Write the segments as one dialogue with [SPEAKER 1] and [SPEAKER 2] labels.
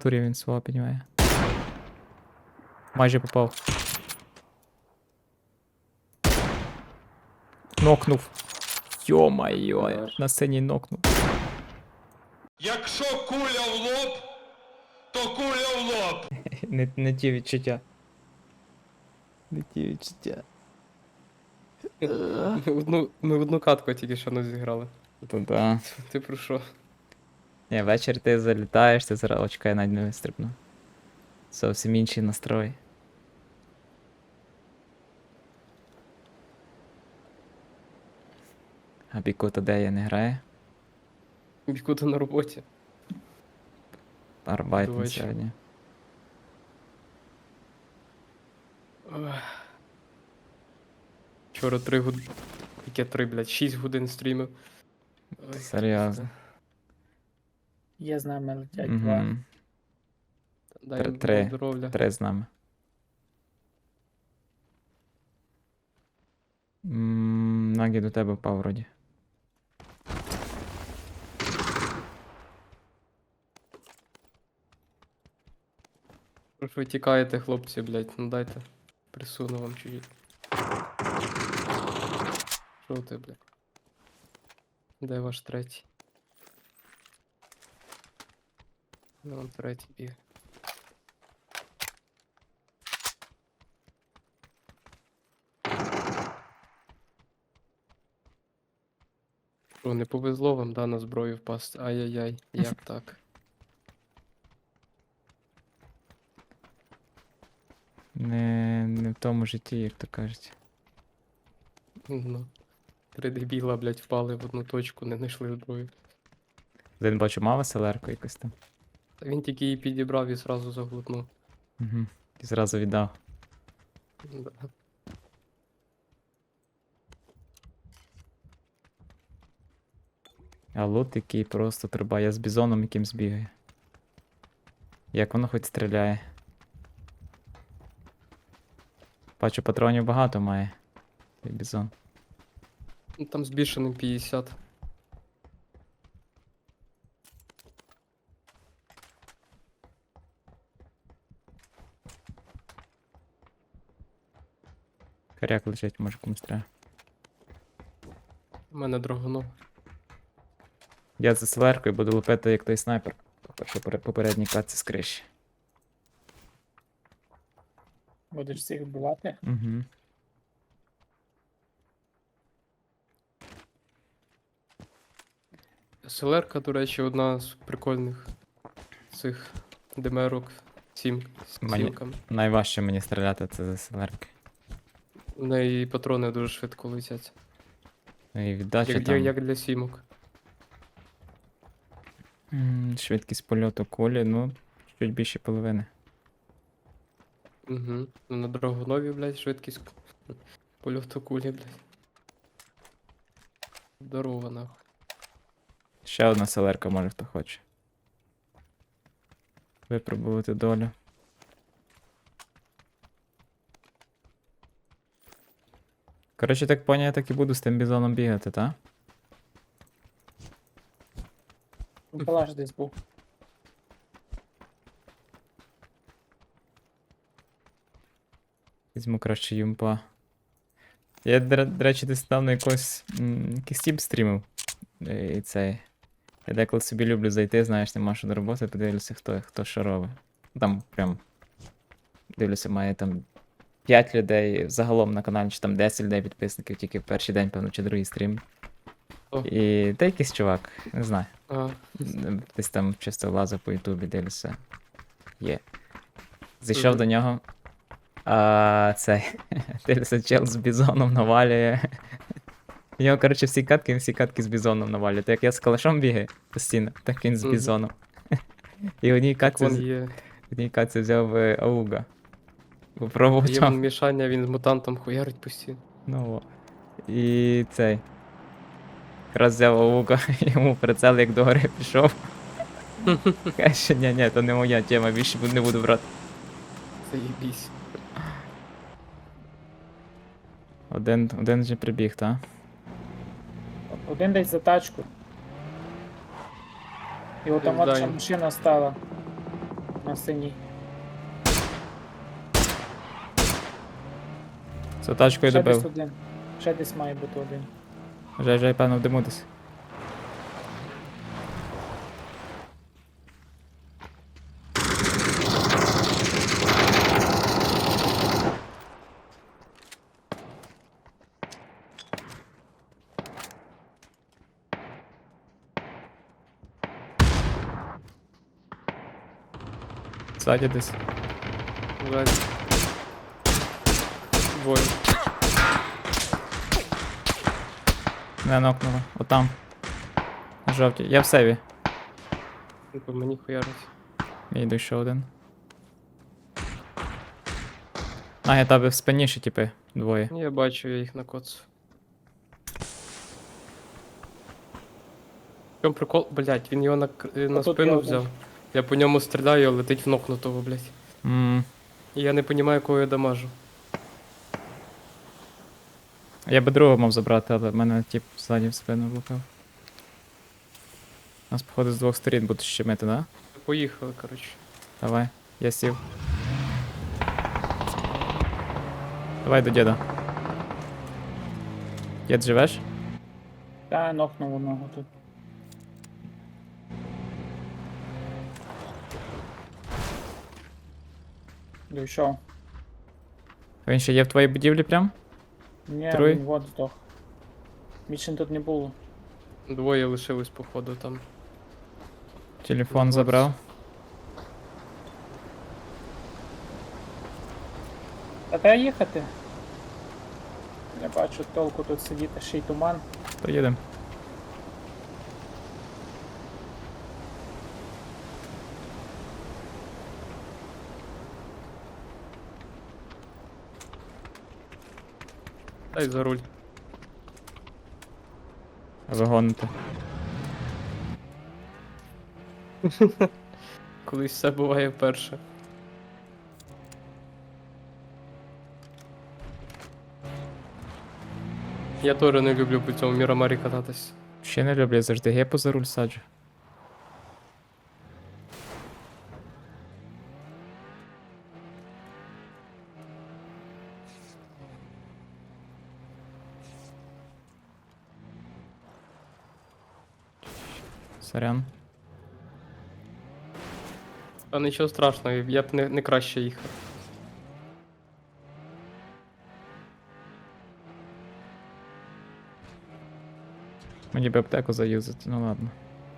[SPEAKER 1] натурі він свого піднімає. Майже попав. Нокнув. Йо-майо, на сцені нокнув.
[SPEAKER 2] Якщо куля в лоб, то куля в лоб.
[SPEAKER 1] Не ті відчуття. Не ті відчуття.
[SPEAKER 3] Ми одну катку тільки що не зіграли.
[SPEAKER 1] То да.
[SPEAKER 3] Ти про що?
[SPEAKER 1] Ні, ввечері ти залітаєш, ти зараз очка я навіть не вистрибну. Зовсім інший настрой. А Бікута де я не грає?
[SPEAKER 3] Бікута на роботі.
[SPEAKER 1] Арбайтен
[SPEAKER 3] Точно.
[SPEAKER 1] сьогодні.
[SPEAKER 3] Вчора 3 години. Яке 3, блядь, 6 годин стрімив. Ой,
[SPEAKER 1] Серйозно.
[SPEAKER 4] Є з нами летять два.
[SPEAKER 1] Угу.
[SPEAKER 3] Дай їм
[SPEAKER 1] Три.
[SPEAKER 3] здоров'я.
[SPEAKER 1] 3 з нами. Нагі до тебе впав вроді.
[SPEAKER 3] Що ж ви тікаєте, хлопці, блядь, ну дайте. Присуну вам чуть-чуть. Що ти, блядь? Де ваш третій? Ну, он третій бігає. Що, не повезло вам, да, на зброю впасти? Ай-яй-яй, як так?
[SPEAKER 1] Не в тому житті, як то кажуть.
[SPEAKER 3] Ну. 3 дебіла, блядь, впали в одну точку, не знайшли зброю.
[SPEAKER 1] Один бачу мав селерку якось там.
[SPEAKER 3] Та він тільки її підібрав і зразу заглутнув.
[SPEAKER 1] Угу. І зразу віддав.
[SPEAKER 3] Да.
[SPEAKER 1] А лут який просто труба. Я з бізоном якимсь бігаю. Як воно хоч стріляє. Бачу, патронів багато має. Цей бізон.
[SPEAKER 3] Ну, там збільшеним 50.
[SPEAKER 1] Коряк лежить, може комусь треба.
[SPEAKER 3] У мене драгунов.
[SPEAKER 1] Я за селеркою буду лупити як той снайпер. Попередній катці з криші.
[SPEAKER 4] Будеш всіх вбивати.
[SPEAKER 1] Угу.
[SPEAKER 3] СЛР-ка, до речі, одна з прикольних цих демерок з
[SPEAKER 1] Мені-
[SPEAKER 3] сімками.
[SPEAKER 1] Найважче мені стріляти це за селерки.
[SPEAKER 3] В неї патрони дуже швидко летять.
[SPEAKER 1] Ну і віддача
[SPEAKER 3] Як,
[SPEAKER 1] там.
[SPEAKER 3] як для сімок.
[SPEAKER 1] Швидкість польоту кулі, ну, чуть більше половини.
[SPEAKER 3] Угу. Ну, на драгунові, блядь, швидкість польоту кулі, блядь. Здорово, нахуй.
[SPEAKER 1] Ще одна селерка, може хто хоче. Випробувати долю. Коротше, так поняв, я так і буду з тим бізоном бігати, та?
[SPEAKER 4] Палаш десь був.
[SPEAKER 1] Візьму краще юмпа. Я, до речі, десь недавно якийсь тіп стрімив. І цей. Я деколи собі люблю зайти, знаєш, нема що до роботи, подивлюся, хто що робить. Там прям. Дивлюся, має там 5 людей загалом на каналі, чи там 10 людей підписників, тільки в перший день, певно, чи другий стрім.
[SPEAKER 3] О.
[SPEAKER 1] І та якийсь чувак, не знаю.
[SPEAKER 3] А,
[SPEAKER 1] Десь там чисто лазив по ютубі, дивлюся. Є. Зайшов
[SPEAKER 3] Мгм.
[SPEAKER 1] до нього. А цей. Дивлюся, чел з бізоном навалює. У нього, коротше, він всі катки з бізоном навалює. То як я з калашом бігаю постійно, так він з
[SPEAKER 3] Мгм.
[SPEAKER 1] бізоном. І в одній
[SPEAKER 3] так вон
[SPEAKER 1] катці,
[SPEAKER 3] є.
[SPEAKER 1] в одній катці взяв Ауга.
[SPEAKER 3] Є
[SPEAKER 1] Попробував
[SPEAKER 3] вон
[SPEAKER 1] там.
[SPEAKER 3] мішання, він з мутантом хуярить постійно.
[SPEAKER 1] Ну, о. І цей. Якраз взяв Ауга, йому прицел як до гори пішов. Каже, ні, то не моя тема, більше не буду брати.
[SPEAKER 3] Заєбісь.
[SPEAKER 1] Один вже прибіг, та?
[SPEAKER 4] Один десь за тачку. І от там
[SPEAKER 3] Пізда
[SPEAKER 4] от ще
[SPEAKER 3] їм.
[SPEAKER 4] машина стала. на синій.
[SPEAKER 1] За тачкою
[SPEAKER 4] Ще десь
[SPEAKER 1] добив.
[SPEAKER 4] один. Ще десь має бути один.
[SPEAKER 1] Вже, певно, в диму десь. Ззаді десь.
[SPEAKER 3] Ззаді. Двоє.
[SPEAKER 1] Не нокнуло. Отам. На жовтій. Я в севі.
[SPEAKER 3] Ну, по мені хуярить.
[SPEAKER 1] Я йду ще один. А, я тебе в спині ще, типи, двоє.
[SPEAKER 3] Я бачу, я їх накоцав. В чому прикол? Блять, він його на
[SPEAKER 4] Отут
[SPEAKER 3] спину
[SPEAKER 4] я
[SPEAKER 3] взяв. Я по ньому стріляю, летить в нокнутого, блять. І я не розумію, кого я дамажу.
[SPEAKER 1] Я би другого мав забрати, але в мене тип ззаді в спину влупив. Нас, походу, з двох сторін будуть щемити, да?
[SPEAKER 3] Поїхали, коротше.
[SPEAKER 1] Давай, я сів. Давай до діда. Дід, живеш?
[SPEAKER 4] Та нокнув одного тут. Дійшов.
[SPEAKER 1] Він ще є в твоїй будівлі прям?
[SPEAKER 4] Ні,
[SPEAKER 1] Троє?
[SPEAKER 4] він вот здох. Більше тут не було.
[SPEAKER 3] Двоє лишились, походу, там.
[SPEAKER 1] Телефон
[SPEAKER 3] Вот.
[SPEAKER 1] забрав.
[SPEAKER 4] Та треба їхати. Я бачу толку тут сидіти, ще й туман.
[SPEAKER 1] То їдем.
[SPEAKER 3] Дай за руль.
[SPEAKER 1] А ви гоните.
[SPEAKER 3] Колись все буває вперше. Я теж не люблю по цьому Мірамарі кататись.
[SPEAKER 1] Ще не люблю, я завжди гепу за руль саджу. Сорян.
[SPEAKER 3] А нічого страшного, я б не краще їхав.
[SPEAKER 1] Мені би аптеку заюзати, ну ладно.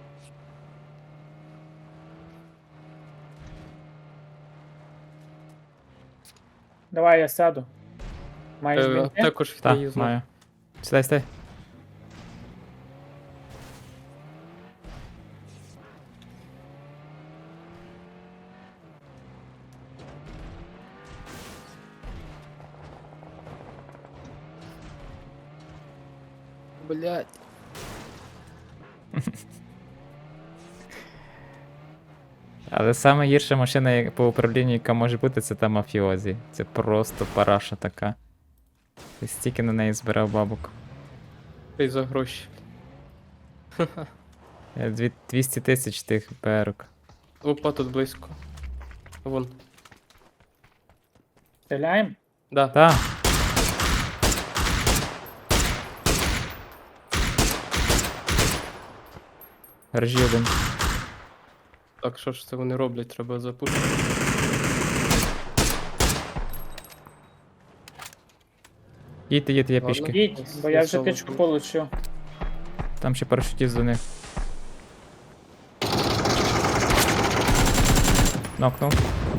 [SPEAKER 4] Давай я сяду. Маєш бінти?
[SPEAKER 3] Також
[SPEAKER 1] Так,
[SPEAKER 3] не юзну.
[SPEAKER 1] маю. Сідай, сідай.
[SPEAKER 3] Блять.
[SPEAKER 1] Але саме гірша машина по управлінню, яка може бути, це та мафіозі. Це просто параша така. Ти стільки на неї збирав бабок.
[SPEAKER 3] Ти за гроші.
[SPEAKER 1] 200 тисяч тих БРок.
[SPEAKER 3] Опа, тут близько. Вон.
[SPEAKER 4] Стріляємо?
[SPEAKER 3] Да.
[SPEAKER 1] Та! Гаражі один.
[SPEAKER 3] Так, що ж це вони роблять? Треба запушити.
[SPEAKER 1] Їдьте, їдьте, я
[SPEAKER 3] Ладно.
[SPEAKER 1] пішки.
[SPEAKER 4] Їдь, бо я вже
[SPEAKER 3] соло
[SPEAKER 4] тичку
[SPEAKER 3] тут.
[SPEAKER 4] получив.
[SPEAKER 1] Там ще парашутіст до них. Нокнув.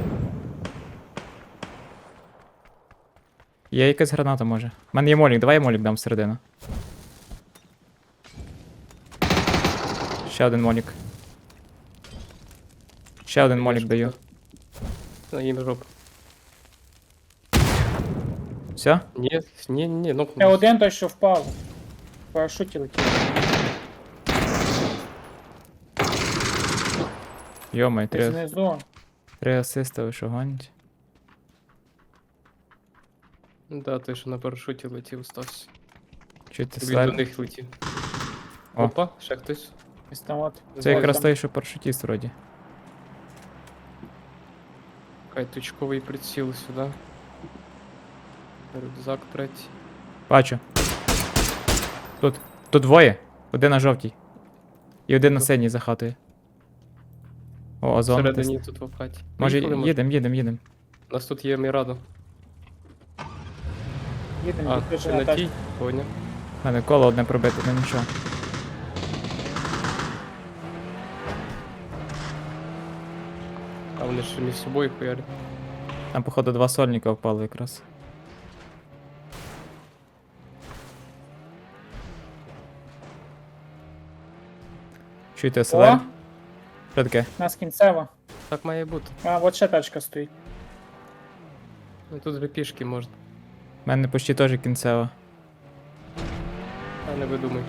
[SPEAKER 1] Є якась граната, може. У мене є молік, давай я молік дам всередину. Ще один молік. Ще один молік даю.
[SPEAKER 3] На їм жопу.
[SPEAKER 1] Все?
[SPEAKER 3] Ні,
[SPEAKER 4] Ще
[SPEAKER 3] нокнув.
[SPEAKER 4] один той, що впав. В парашуті летів.
[SPEAKER 1] Йомай,
[SPEAKER 4] Ти
[SPEAKER 1] три,
[SPEAKER 4] знизу.
[SPEAKER 1] три асиста, ви що гонять?
[SPEAKER 3] Да, той, що на парашуті летів, стався.
[SPEAKER 1] Чуєте
[SPEAKER 3] Він до
[SPEAKER 1] слайд?
[SPEAKER 3] них летів.
[SPEAKER 1] О.
[SPEAKER 3] Опа, ще хтось.
[SPEAKER 4] Ось там от.
[SPEAKER 1] Це якраз
[SPEAKER 4] Там.
[SPEAKER 1] той, що парашутіст вроді.
[SPEAKER 3] Хай точковий приціл сюди. Рюкзак третій.
[SPEAKER 1] Бачу. Тут двоє. Один на жовтій. І один на
[SPEAKER 3] Ну.
[SPEAKER 1] синій за хатою. О, озон.
[SPEAKER 3] Всередині тут в хаті.
[SPEAKER 1] Може,
[SPEAKER 3] Поїхали,
[SPEAKER 1] їдем.
[SPEAKER 3] У нас тут є Мірадо.
[SPEAKER 4] Їдемо,
[SPEAKER 3] А,
[SPEAKER 4] відкрижу
[SPEAKER 3] ти
[SPEAKER 4] на
[SPEAKER 3] на
[SPEAKER 4] тачку.
[SPEAKER 3] тій? Поняв.
[SPEAKER 1] У мене коло одне пробите, ну нічого.
[SPEAKER 3] А вони ще між собою хуярять.
[SPEAKER 1] Там, походу, два сольника впало якраз. Чуєте, СЛР?
[SPEAKER 4] О,
[SPEAKER 1] Що таке?
[SPEAKER 4] нас кінцево.
[SPEAKER 3] Так має бути.
[SPEAKER 4] А, от ще тачка стоїть.
[SPEAKER 3] Ну тут вже пішки можна.
[SPEAKER 1] У мене почти теж кінцево.
[SPEAKER 3] А не видумай.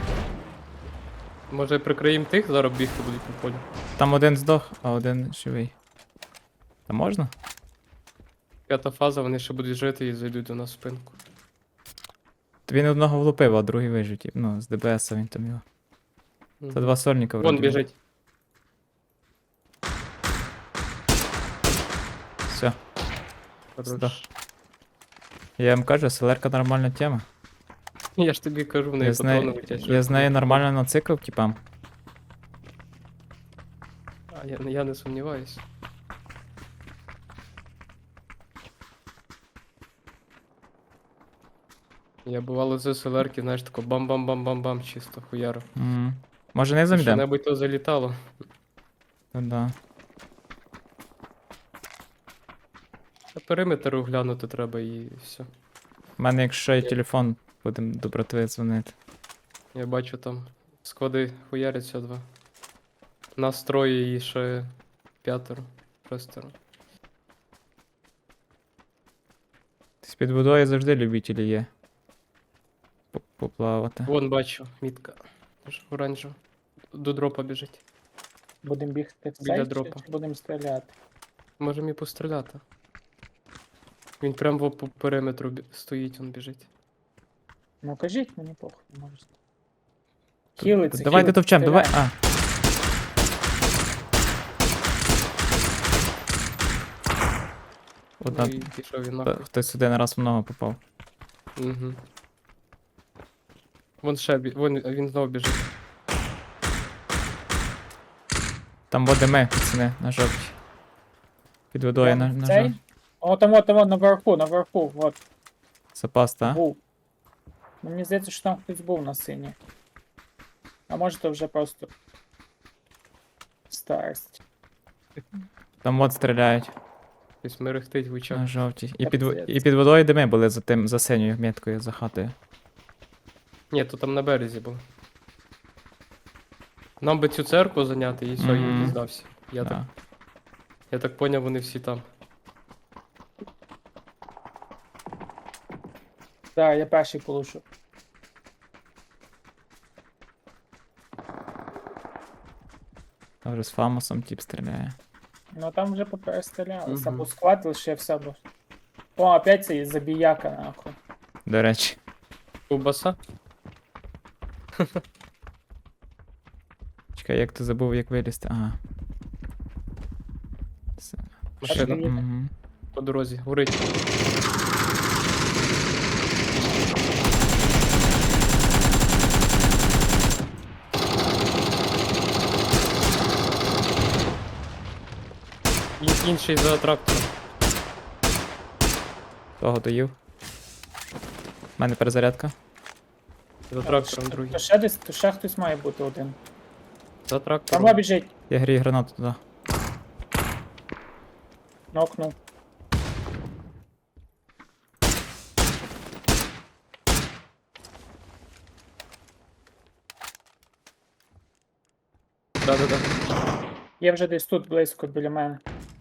[SPEAKER 3] Може прикриємо тих, зараз бігти будуть по полю.
[SPEAKER 1] Там один здох, а один живий. Та можна?
[SPEAKER 3] П'ята фаза, вони ще будуть жити і зайдуть до нас в спинку.
[SPEAKER 1] То він одного влупив, а другий вижив. Ну, з ДБС він там його.
[SPEAKER 3] Мгм.
[SPEAKER 1] Це два сольника
[SPEAKER 3] Вон
[SPEAKER 1] вроді.
[SPEAKER 3] біжить.
[SPEAKER 1] Все.
[SPEAKER 3] Хорош.
[SPEAKER 1] Здох. Я вам кажу, СЛРка нормальна тема.
[SPEAKER 3] Я ж тобі кажу, в неї
[SPEAKER 1] Я з,
[SPEAKER 3] патрони
[SPEAKER 1] неї,
[SPEAKER 3] летять.
[SPEAKER 1] я з нею нормально нацикав, типам.
[SPEAKER 3] А я не сумніваюсь. Я бувало з СЛРки, знаєш, тако бам-бам-бам-бам-бам, чисто хуяро.
[SPEAKER 1] Може не замідем?
[SPEAKER 3] Що-небудь то залітало.
[SPEAKER 1] Да.
[SPEAKER 3] А периметр оглянути треба і все.
[SPEAKER 1] У мене, якщо є телефон, будемо до братви дзвонити.
[SPEAKER 3] Я бачу там склади хуяряться два. Нас троє і ще п'ятеро. Шестеро.
[SPEAKER 1] З під водою завжди любителі є. Поплавати.
[SPEAKER 3] Вон бачу, мітка. Оранжева. До дропа біжить.
[SPEAKER 4] Будемо бігти в
[SPEAKER 3] Біля
[SPEAKER 4] цей
[SPEAKER 3] дропа.
[SPEAKER 4] чи будемо стріляти?
[SPEAKER 3] Можемо і постріляти. Він прям по периметру стоїть, він біжить.
[SPEAKER 4] Ну кажіть мені похуй, можете. Хілиться,
[SPEAKER 1] Давайте
[SPEAKER 4] хілиться,
[SPEAKER 1] товчем, давай.
[SPEAKER 4] стріляй.
[SPEAKER 1] Одна.
[SPEAKER 3] Ну і пішов він
[SPEAKER 1] Та-
[SPEAKER 3] нахуй.
[SPEAKER 1] Хтось один раз в ногу попав.
[SPEAKER 3] Угу. Вон ще вон він знову біжить.
[SPEAKER 1] Там води ми, пацани, на жовтій. Під водою
[SPEAKER 4] Прямо
[SPEAKER 1] на
[SPEAKER 4] в цей?
[SPEAKER 1] жовтій.
[SPEAKER 4] О, там, наверху, от,
[SPEAKER 1] Запас, та?
[SPEAKER 4] був. Ну, мені здається, що там хтось був на синій. А може то вже просто старость.
[SPEAKER 1] Там от стріляють
[SPEAKER 3] Ось мерехтить в очах.
[SPEAKER 1] на жовтій. І
[SPEAKER 4] Капець.
[SPEAKER 1] під водою дими були за синьою меткою, за хатою.
[SPEAKER 3] Ні, то там на березі було. Нам би цю церкву зайняти і все, і
[SPEAKER 1] Мгм.
[SPEAKER 3] він здався.
[SPEAKER 1] Да.
[SPEAKER 3] Я так поняв, вони всі там.
[SPEAKER 4] Так, я перший полушу.
[SPEAKER 1] Там вже з Фамосом тип стріляє.
[SPEAKER 4] Ну там вже поперестрілялися,
[SPEAKER 3] Мгм.
[SPEAKER 4] або склад лишився, або... О, опять цей забіяка, нахуй.
[SPEAKER 1] До речі.
[SPEAKER 3] Ковбаса?
[SPEAKER 1] Чекай, як ти забув, як вилізти? Ага. Все.
[SPEAKER 3] Машина
[SPEAKER 4] їде.
[SPEAKER 1] Мгм.
[SPEAKER 3] по дорозі. Горить. Інший за трактором.
[SPEAKER 1] Того доїв. У мене перезарядка.
[SPEAKER 3] За трактором другий.
[SPEAKER 4] То ще десь, то ще хтось має бути один.
[SPEAKER 3] За
[SPEAKER 4] Там
[SPEAKER 3] трактором.
[SPEAKER 4] біжить,
[SPEAKER 1] Я грію гранату туди.
[SPEAKER 4] нокнув.
[SPEAKER 3] Да-да-да.
[SPEAKER 4] Є вже десь тут близько біля мене.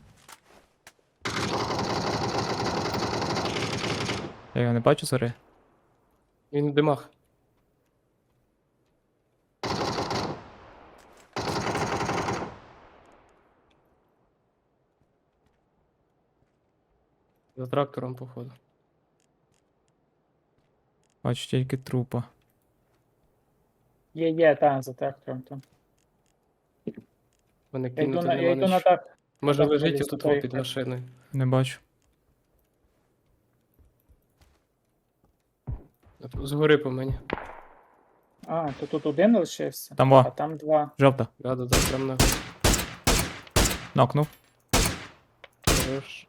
[SPEAKER 1] Я його не бачу, згори.
[SPEAKER 3] Він в димах. За трактором, походу.
[SPEAKER 1] Бачу тільки трупа.
[SPEAKER 4] Є, та, за трактором там.
[SPEAKER 3] Мене
[SPEAKER 4] Я йду
[SPEAKER 3] кинути
[SPEAKER 4] на, я
[SPEAKER 3] нема
[SPEAKER 4] йду на
[SPEAKER 3] на що.
[SPEAKER 4] так.
[SPEAKER 3] Може
[SPEAKER 4] Так,
[SPEAKER 3] лежить
[SPEAKER 4] поліз
[SPEAKER 3] отут
[SPEAKER 4] туди
[SPEAKER 3] під
[SPEAKER 4] їхати.
[SPEAKER 3] машиною.
[SPEAKER 1] Не бачу.
[SPEAKER 3] От Згори по мені.
[SPEAKER 4] А, то тут один лишився,
[SPEAKER 1] Там
[SPEAKER 4] а
[SPEAKER 1] во,
[SPEAKER 4] там два.
[SPEAKER 1] жовта.
[SPEAKER 3] Да, прям на
[SPEAKER 1] Нокнув.
[SPEAKER 3] хорош.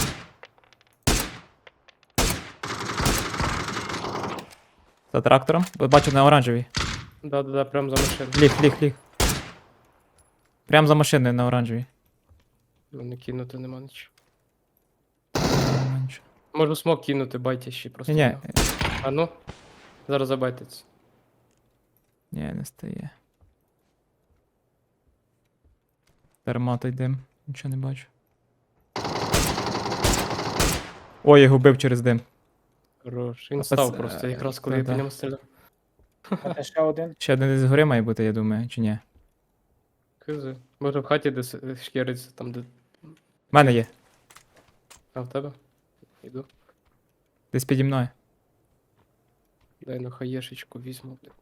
[SPEAKER 1] За трактором. Бачу на оранжевій.
[SPEAKER 3] Да, прям за машиною.
[SPEAKER 1] Ліг. Прям за машиною на оранжевій.
[SPEAKER 3] Мене кинути нема нічого.
[SPEAKER 1] Менше.
[SPEAKER 3] Можу смок кинути, байте ще просто.
[SPEAKER 1] Ні,
[SPEAKER 3] його. А ну. Зараз забайтиться.
[SPEAKER 1] ні, не стає. Терматий дим. Нічого не бачу. Ой, я губив через дим.
[SPEAKER 3] Хорош. Він
[SPEAKER 1] А
[SPEAKER 3] став
[SPEAKER 1] пац-
[SPEAKER 3] просто, якраз коли я по
[SPEAKER 1] да.
[SPEAKER 3] ньому стріляв.
[SPEAKER 4] А те ще один.
[SPEAKER 1] Ще один десь згори має бути, я думаю, чи ні?
[SPEAKER 3] Кизи. Може в хаті десь шкіриться, там де.
[SPEAKER 1] В мене є.
[SPEAKER 3] А в тебе? Іду.
[SPEAKER 1] Десь піді мною.
[SPEAKER 3] Дай на хаєшечку візьму, блядь.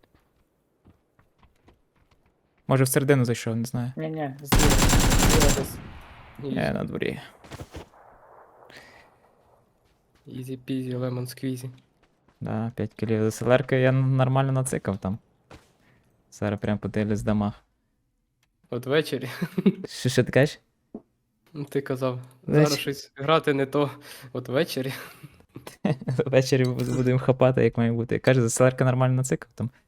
[SPEAKER 1] Може всередину зайшов, не знаю.
[SPEAKER 4] Ні, зліва десь.
[SPEAKER 1] Ні, на дворі.
[SPEAKER 3] Ізі пізі, лемон сквізі.
[SPEAKER 1] Да, 5 кілів. СЛРки я нормально нацикав там. Зараз прям подивлюсь в домах.
[SPEAKER 3] От ввечері,
[SPEAKER 1] Що ти кажеш?
[SPEAKER 3] ну, ти казав,
[SPEAKER 1] Ввечері.
[SPEAKER 3] зараз щось грати не то. От ввечері.
[SPEAKER 1] Ввечері будемо хапати, як має бути. Каже, СЛРка нормально нацикав там.